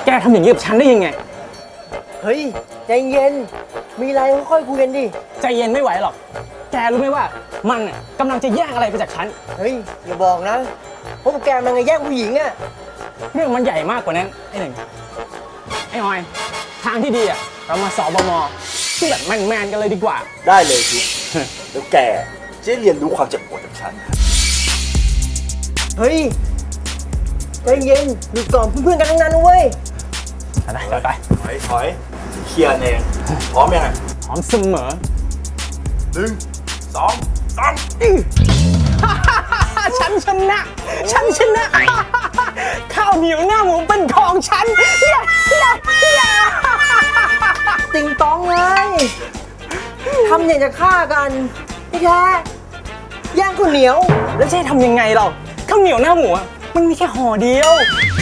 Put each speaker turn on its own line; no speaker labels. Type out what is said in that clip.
ทำอย่างนี้กับฉันได้ยังไง
เฮ้ยใจเย็นมีอะไรค่อยๆคุยกันดิ
ใจเย็นไม่ไหวหรอก แกรู้ไหมว่ามันน่ะกำลังจะแย่งอะไรไปจากฉัน
เฮ้ยอย่าบอกนะพวกแกมันไงแย่งผู้หญิงอะ
เรื่องมันใหญ่มากกว่านั้นไอ้หนึ่งไอ้ออย ทางที่ดีอ่ะเรามาสอบมที่แบบแมนๆกันเลยดีกว่า
ได้เลยทิศแล้วแกจะได้เรียนรู้ความเจ็บปวดจากฉัน
เฮ้ยใจเย็นดูก่อนเพื่อนๆกันทั้งนั้นนะเว้ย
ไป
ถอยเคลียร์เองพร้อมยังไง
พร้อมเสมอ
1 2 3
ฉันชนะ ฉันชนะ ข้าวเหนียวหน้าหมูเป็นของฉันอย่า
ติงตองเลยทำอย่างจะฆ่ากันพี่แท้ย่างข้าวเหนียว
แล้วจะให้ทำยังไงเราข้าวเหนียวหน้าหมูอะมันมีแค่ห่อเดียว